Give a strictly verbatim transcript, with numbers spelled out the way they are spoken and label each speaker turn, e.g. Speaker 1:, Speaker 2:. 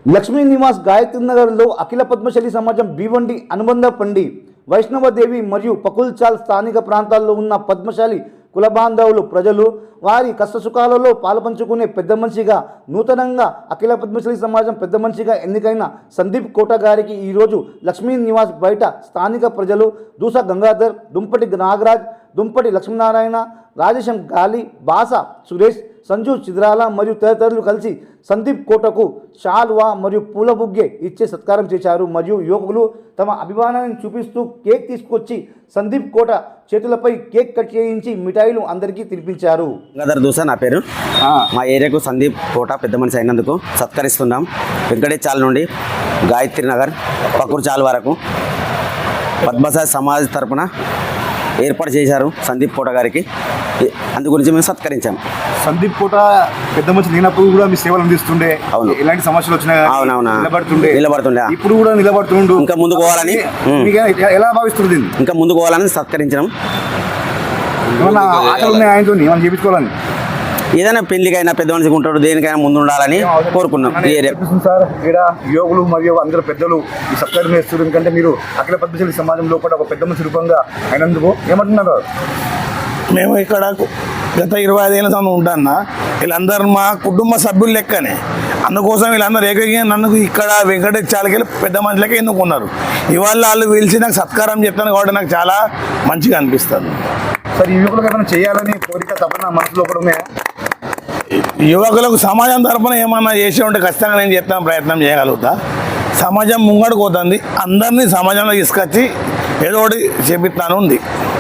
Speaker 1: లక్ష్మీ నివాస్ గాయత్రి నగర్లో అఖిల పద్మశాలి సమాజం భీవండి అనుబంధ పండి వైష్ణవదేవి మరియు పకుల్చాల్ స్థానిక ప్రాంతాల్లో ఉన్న పద్మశాలి కుల బాంధవులు ప్రజలు వారి కష్టసుఖాలలో పాలుపంచుకునే పెద్ద మనిషిగా నూతనంగా అఖిల పద్మశాలి సమాజం పెద్ద మనిషిగా ఎన్నికైన సందీప్ కోట గారికి ఈరోజు లక్ష్మీ నివాస్ బయట స్థానిక ప్రజలు దూస గంగాధర్, దుంపటి నాగరాజ్, దుంపటి లక్ష్మీనారాయణ, రాజేశం గాలి, బాస సురేష్, సంజు చిద్రాల మరియు తదితరులు కలిసి సందీప్ కోటకు షాల్వా మరియు పూల బుగ్గే ఇచ్చే సత్కారం చేశారు. మరియు యువకులు తమ అభిమానాన్ని చూపిస్తూ కేక్ తీసుకొచ్చి సందీప్ కోట చేతులపై కేక్ కట్ చేయించి మిఠాయిలు అందరికీ తినిపించారు.
Speaker 2: గంగాధర్ దూస నా పేరు. మా ఏరియాకు సందీప్ కోట పెద్ద మనిషి అయినందుకు సత్కరిస్తున్నాం. వెంకటేశాల నుండి గాయత్రి నగర్ పకూర్చాల్ వరకు పద్మశాలి సమాజ్ తరపున ఏర్పాటు చేశారు సందీప్ కోట గారికి. అందు గురించి మేము సత్కరించాం.
Speaker 3: సందీప్ కోట పెద్ద మనిషి లేనప్పుడు కూడా మీ సేవలు అందిస్తుండే.
Speaker 2: అవును,
Speaker 3: ఎలాంటి సమస్యలు వచ్చినా
Speaker 2: అవునవునా
Speaker 3: నిలబడుతుండే
Speaker 2: నిలబడుతుండే
Speaker 3: ఇప్పుడు కూడా నిలబడుతుండు.
Speaker 2: ఇంకా ముందుకు పోవాలని
Speaker 3: ఎలా భావిస్తుంది?
Speaker 2: ఇంకా ముందుకు పోవాలని సత్కరించడం.
Speaker 3: ఏమన్నా ఆటలు ఉన్నాయి ఆయనతో ఏమన్నా చేయించుకోవాలని?
Speaker 2: ఏదైనా పెళ్లికైనా పెద్ద మనిషికి ఉంటాడు, దేనికైనా ముందు ఉండాలని కోరుకున్నాం.
Speaker 3: సార్ ఇక్కడ యువకులు మరియు అందరూ పెద్దలు ఈ సత్కారం చేస్తారు. ఎందుకంటే మీరు అఖిల పద్మశాలి సమాజంలో కూడా ఒక పెద్ద మనిషి రూపంగా అయినందుకు ఏమంటున్నారు?
Speaker 4: మేము ఇక్కడ గత ఇరవై ఐదేళ్ళ సంవత్సరం ఉంటాను. వీళ్ళందరూ మా కుటుంబ సభ్యులు లెక్కనే. అందుకోసం వీళ్ళందరూ ఏకైక నన్ను ఇక్కడ వెంకటేశాలకి పెద్ద మనుషులకే ఎన్నుకున్నారు. ఇవాళ వాళ్ళు పిలిచి నాకు సత్కారం చెప్తాను కాబట్టి నాకు చాలా మంచిగా అనిపిస్తుంది.
Speaker 3: సార్ ఈ యువకులకు ఏమైనా చేయాలని కోరిక తప్పన మనసులో కూడా ఉన్నాయా?
Speaker 4: యువకులకు సమాజం తరఫున ఏమన్నా చేసి ఉంటే ఖచ్చితంగా నేను చెప్తాను, ప్రయత్నం చేయగలుగుతా. సమాజం ముంగడుకు పోతుంది, అందరినీ సమాజంలో తీసుకొచ్చి ఏదో ఒకటి చేపిస్తాను ఉంది.